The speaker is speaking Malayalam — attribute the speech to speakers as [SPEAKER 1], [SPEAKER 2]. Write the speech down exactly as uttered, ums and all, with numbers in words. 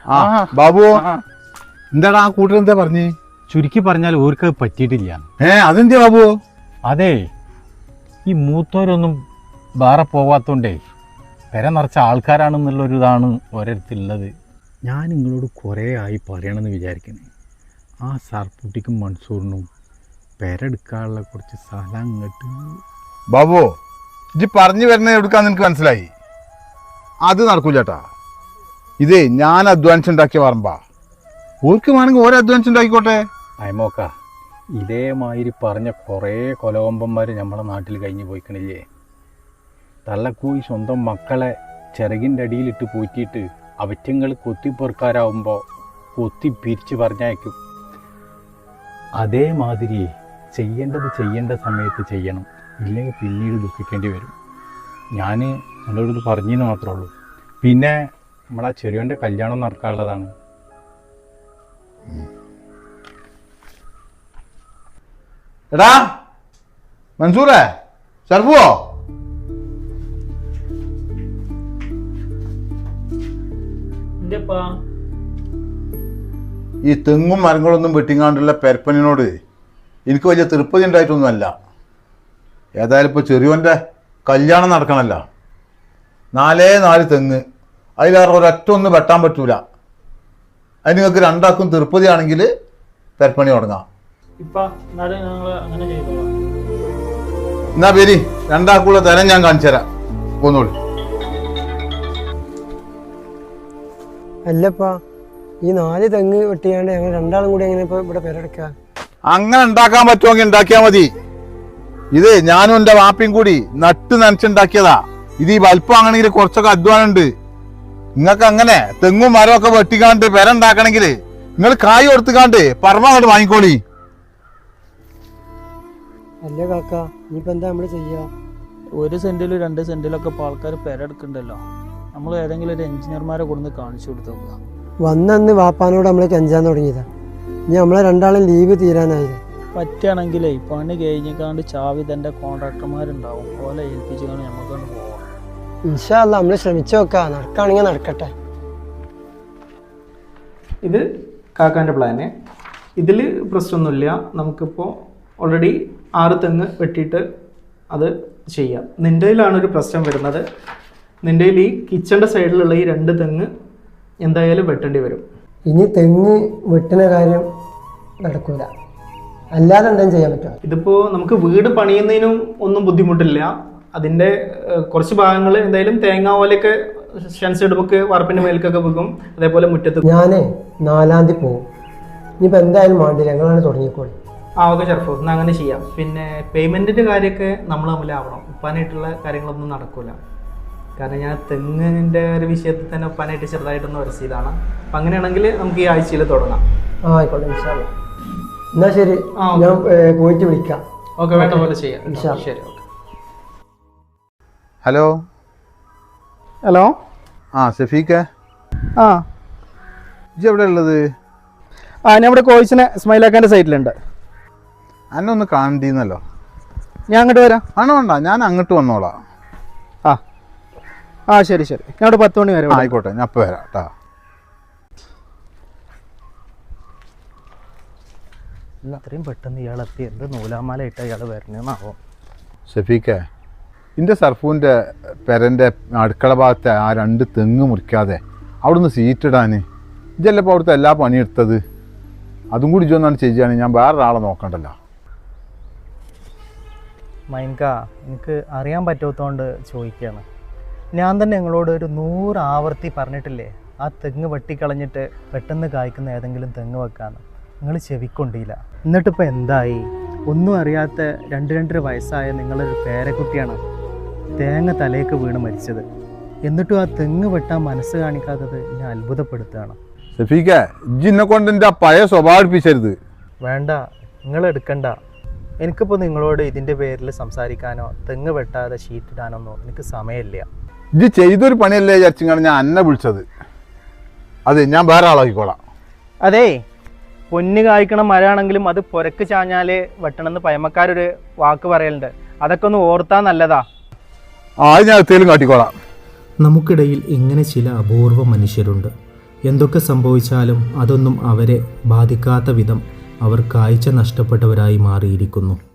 [SPEAKER 1] ബാബു എന്താടാ ആ കൂട്ടർ എന്താ പറഞ്ഞ്?
[SPEAKER 2] ചുരുക്കി പറഞ്ഞാൽ ഓർക്ക് പറ്റിയിട്ടില്ല.
[SPEAKER 1] ഏ അതെന്താ ബാബു?
[SPEAKER 2] അതെ, ഈ മൂത്തോരൊന്നും വേറെ പോവാത്തോണ്ടേ പെര നിറച്ച ആൾക്കാരാണെന്നുള്ളൊരു ഇതാണ് ഓരോരുത്തുള്ളത്. ഞാൻ നിങ്ങളോട് കുറേ ആയി പറയണമെന്ന് വിചാരിക്കണേ, ആ സർപ്പുട്ടിക്കും മൺസൂറിനും പെരെടുക്കാനുള്ള കുറച്ച് സ്ഥലം അങ്ങോട്ട്.
[SPEAKER 1] ബാബു ഇജ്ജ് പറഞ്ഞു വരുന്നത് എടുക്കാന്ന് എനിക്ക് മനസ്സിലായി. അത് നടക്കൂലട്ടാ. ഇതേ ഞാൻ അധ്വാനിച്ചുണ്ടാക്കിയ പറമ്പാ. ഓർക്ക് വേണമെങ്കിൽ ഓരോ അധ്വാനിച്ചുണ്ടാക്കിക്കോട്ടെ.
[SPEAKER 2] അയമോക്ക, ഇതേമാതിരി പറഞ്ഞ കുറേ കൊലകൊമ്പന്മാർ നമ്മളെ നാട്ടിൽ കഴിഞ്ഞ് പോയിക്കണില്ലേ. തള്ളക്കൂയി സ്വന്തം മക്കളെ ചിറകിൻ്റെ അടിയിലിട്ട് പോറ്റിയിട്ട് അവറ്റങ്ങൾ കൊത്തിപ്പൊറുക്കാരാവുമ്പോൾ കൊത്തി പിരിച്ച് പറഞ്ഞയക്കും. അതേമാതിരി ചെയ്യേണ്ടത് ചെയ്യേണ്ട സമയത്ത് ചെയ്യണം, ഇല്ലെങ്കിൽ പിന്നീട് ദുഃഖിക്കേണ്ടി വരും. ഞാൻ നിങ്ങളോട് പറഞ്ഞെന്ന് മാത്രമേ ഉള്ളൂ. പിന്നെ നമ്മളാ ചെറിയോൻ്റെ കല്യാണം നടക്കാനുള്ളതാണ്.
[SPEAKER 1] എടാ മൻസൂറേ, സർഫുവോ? ഈ തെങ്ങും മരങ്ങളൊന്നും വെട്ടിങ്ങാണ്ടുള്ള പെരപ്പനിനോട് എനിക്ക് വലിയ തൃപ്തി ഉണ്ടായിട്ടൊന്നുമല്ല. ഏതായാലും ഇപ്പോൾ ചെറിയോൻ്റെ കല്യാണം നടക്കണമല്ല. നാലേ നാല് തെങ്ങ്, അതിലേറെ ഒരൊറ്റ ഒന്നും വെട്ടാൻ പറ്റൂല. അത് നിങ്ങൾക്ക് രണ്ടാക്കും തൃപ്തിയാണെങ്കിൽ പെരപ്പണി തുടങ്ങാം. എന്നാ പേര് രണ്ടാക്കുള്ള തരം ഞാൻ കാണിച്ചു തരാം. പോന്നോളൂ.
[SPEAKER 3] അല്ലപ്പാ, ഈ നാല് തെങ്ങ് വെട്ടിയാണ്ട് ഞങ്ങൾ രണ്ടാളും കൂടി എങ്ങനെ ഇപ്പൊ ഇവിടെ പെരടുക്ക?
[SPEAKER 1] അങ്ങനെ ഉണ്ടാക്കാൻ പറ്റുമെങ്കിൽ ഉണ്ടാക്കിയാൽ മതി. ഇത് ഞാനും എൻ്റെ വാപ്പയും കൂടി നട്ട് നനച്ചുണ്ടാക്കിയതാ. ഇത് ഈ വലിപ്പം ആണെങ്കിൽ കുറച്ചൊക്കെ അധ്വാനം ഉണ്ട്. നിങ്ങൾക്ക് അങ്ങനെ തെങ്ങും മരമൊക്കെ വെട്ടിക്കാണ്ട് പെര ഉണ്ടാക്കണമെങ്കിൽ നിങ്ങൾ കായ് കൊടുത്തുകാണ്ട് പറമ്പ അങ്ങോട്ട് വാങ്ങിക്കോളി.
[SPEAKER 3] അല്ലേ കാക്ക, ഇനിയിപ്പോ എന്താ നമ്മള് ചെയ്യാ?
[SPEAKER 4] ഒരു സെന്റിലും രണ്ട് സെന്റിലൊക്കെ ഇപ്പോൾ ആൾക്കാർ പെരെടുക്കണ്ടല്ലോ. നമ്മൾ ഏതെങ്കിലും ഒരു എഞ്ചിനീയർമാരെ കൊടുന്ന് കാണിച്ചു കൊടുത്തു നോക്കുക.
[SPEAKER 3] വന്നന്ന് വാപ്പാനോട് നമ്മള് കെഞ്ചാൻ തുടങ്ങിയതാ. ഇനി നമ്മളെ രണ്ടാളും ലീവ് തീരാനായില്ലേ.
[SPEAKER 4] പറ്റുകയാണെങ്കിലേ പണി കഴിഞ്ഞിക്കാണ്ട് ചാവി തൻ്റെ കോൺട്രാക്ടർമാരുണ്ടാവും, ഓലെ ഏൽപ്പിച്ചുകൊണ്ട് നമുക്കൊന്ന് പോവാം.
[SPEAKER 3] ഇൻഷാ അല്ലാ നമ്മള് ശ്രമിച്ചു നോക്കാം. നടക്കാണെങ്കിൽ നടക്കട്ടെ.
[SPEAKER 5] ഇത് കാക്കാൻ്റെ പ്ലാന്. ഇതിൽ പ്രശ്നമൊന്നുമില്ല. നമുക്കിപ്പോൾ ഓൾറെഡി ആറ് തെങ്ങ് വെട്ടിയിട്ട് അത് ചെയ്യാം. നിൻ്റെയിലാണ് ഒരു പ്രശ്നം വരുന്നത്. നിൻ്റെയിൽ ഈ കിച്ചൻ്റെ സൈഡിലുള്ള ഈ രണ്ട് തെങ്ങ് എന്തായാലും വെട്ടേണ്ടി വരും.
[SPEAKER 3] ഇനി തെങ്ങ് വെട്ടുന്ന കാര്യം നടക്കൂല, അല്ലാതെ എന്തെങ്കിലും ചെയ്യാൻ പറ്റുമോ?
[SPEAKER 5] ഇതിപ്പോൾ നമുക്ക് വീട് പണിയുന്നതിനും ഒന്നും ബുദ്ധിമുട്ടില്ല. അതിൻ്റെ കുറച്ച് ഭാഗങ്ങൾ എന്തായാലും തേങ്ങ പോലെയൊക്കെ ഷൻസ് ഇടുമ്പോൾ വറപ്പിൻ്റെ മേൽക്കൊക്കെ വെക്കും. അതേപോലെ മുറ്റത്ത്
[SPEAKER 3] ഞാനേ നാലാം തീയതി പോകും. ഇനിയിപ്പോൾ എന്തായാലും വേണ്ടില്ല, ഞങ്ങളാണ് തുടങ്ങിക്കോളി.
[SPEAKER 5] ആ ഓക്കെ ഷർഫു, എന്നാൽ അങ്ങനെ ചെയ്യാം. പിന്നെ പേയ്മെൻറ്റിൻ്റെ കാര്യമൊക്കെ നമ്മൾ തമ്മിലാവണം. ഉപ്പാനായിട്ടുള്ള കാര്യങ്ങളൊന്നും നടക്കില്ല. കാരണം ഞാൻ തെങ്ങിൻ്റെ ഒരു വിഷയത്തിൽ തന്നെ ഉപ്പാനായിട്ട് ചെറുതായിട്ടൊന്ന് വരച്ചതാണ്. അപ്പം അങ്ങനെയാണെങ്കിൽ നമുക്ക് ഈ ആഴ്ചയിൽ തുടങ്ങാം.
[SPEAKER 3] ആ ആയിക്കോട്ടെ, ഇൻഷാ അല്ലാ. എന്നാ ശരി, ഞാൻ പോയിട്ട് വിളിക്കാം.
[SPEAKER 5] ഓക്കെ, വേണ്ട പോലെ ചെയ്യാം. ശരി, ഓക്കെ.
[SPEAKER 1] ഹലോ
[SPEAKER 5] ഹലോ
[SPEAKER 1] ആ ഷഫീഖ,
[SPEAKER 5] ആ
[SPEAKER 1] ഇജ്ജ് എവിടെ ഉള്ളത്?
[SPEAKER 5] ആ ഞാൻ ഇവിടെ കോഴ്സിനെ സ്മൈലാക്കാൻ്റെ സൈറ്റിലുണ്ട്.
[SPEAKER 1] എന്നെ ഒന്ന് കാണണ്ടീന്നല്ലോ.
[SPEAKER 5] ഞാൻ അങ്ങോട്ട് വരാം.
[SPEAKER 1] ആണോ? വേണ്ട, ഞാൻ അങ്ങോട്ട് വന്നോളാം.
[SPEAKER 5] ആ ആ ശരി ശരി, ഞാൻ ഇവിടെ പത്ത് മണി വരെ.
[SPEAKER 1] ആയിക്കോട്ടെ, ഞാൻ അപ്പം വരാം കേട്ടോ.
[SPEAKER 4] അത്രയും പെട്ടെന്ന് ഇയാളെത്തി എന്ത് നൂലാമാലയിട്ട് ഇയാൾ വരണമെന്നാവോ?
[SPEAKER 1] ഷഫീഖ, എൻ്റെ സർഫൂൻ്റെ പെരൻ്റെ അടുക്കള ഭാഗത്തെ ആ രണ്ട് തെങ്ങ് മുറിക്കാതെ അവിടുന്ന് സീറ്റിടാൻ ഇതല്ലേ ഇപ്പോൾ അവിടുത്തെ എല്ലാ പണിയെടുത്തത്. അതും കൂടി ഇതൊന്നാണ് ചെയ്യുകയാണെങ്കിൽ ഞാൻ വേറൊരാളെ നോക്കണ്ടല്ലോ.
[SPEAKER 4] മൈൻക, എനിക്ക് അറിയാൻ പറ്റാത്തതുകൊണ്ട് ചോദിക്കുകയാണ്. ഞാൻ തന്നെ നിങ്ങളോട് ഒരു നൂറ് ആവർത്തി പറഞ്ഞിട്ടില്ലേ ആ തെങ്ങ് വെട്ടിക്കളഞ്ഞിട്ട് പെട്ടെന്ന് കായ്ക്കുന്ന ഏതെങ്കിലും തെങ്ങ് വെക്കാമെന്ന്. നിങ്ങൾ ചെവിക്കൊണ്ടില്ല. എന്നിട്ടിപ്പോൾ എന്തായി? ഒന്നും അറിയാത്ത രണ്ട് രണ്ടര വയസ്സായ നിങ്ങളൊരു പേരക്കുട്ടിയാണ് തേങ്ങ തലേക്ക് വീണ് മരിച്ചത്. എന്നിട്ടും ആ തെങ്ങ് വെട്ടാൻ മനസ്സ് കാണിക്കാത്തത് എന്നെ അത്ഭുതപ്പെടുത്തുകയാണ്.
[SPEAKER 1] ഷഫീഖ, ഇജ്ജിനെ കൊണ്ട് എൻ്റെ ആ പഴയ സ്വഭാവം എടുപ്പിച്ചരുത്.
[SPEAKER 4] വേണ്ട, നിങ്ങൾ എടുക്കണ്ട. എനിക്കിപ്പോൾ നിങ്ങളോട് ഇതിൻ്റെ പേരിൽ സംസാരിക്കാനോ തെങ്ങ് വെട്ടാതെ ഷീറ്റിടാനൊന്നോ എനിക്ക് സമയമില്ല.
[SPEAKER 1] ഇജ്ജ് ചെയ്തൊരു പണിയല്ലേ വിചാരിച്ചാണ് ഞാൻ എന്നെ വിളിച്ചത്. അതെ, ഞാൻ വേറെ ആളാക്കിക്കോളാം.
[SPEAKER 4] അതേ, പൊന്ന് കായ്ക്കണ മരമാണെങ്കിലും അത് പുരക്ക് ചാഞ്ഞാൽ വെട്ടണമെന്ന് പഴമക്കാരൊരു വാക്ക് പറയലുണ്ട്. അതൊക്കെ ഒന്ന് ഓർത്താൽ നല്ലതാ.
[SPEAKER 1] ആ, ഞാൻ എത്തേലും കാട്ടിക്കോളാം.
[SPEAKER 6] നമുക്കിടയിൽ ഇങ്ങനെ ചില അപൂർവ മനുഷ്യരുണ്ട്. എന്തൊക്കെ സംഭവിച്ചാലും അതൊന്നും അവരെ ബാധിക്കാത്ത വിധം അവർ കാഴ്ച നഷ്ടപ്പെട്ടവരായി മാറിയിരിക്കുന്നു.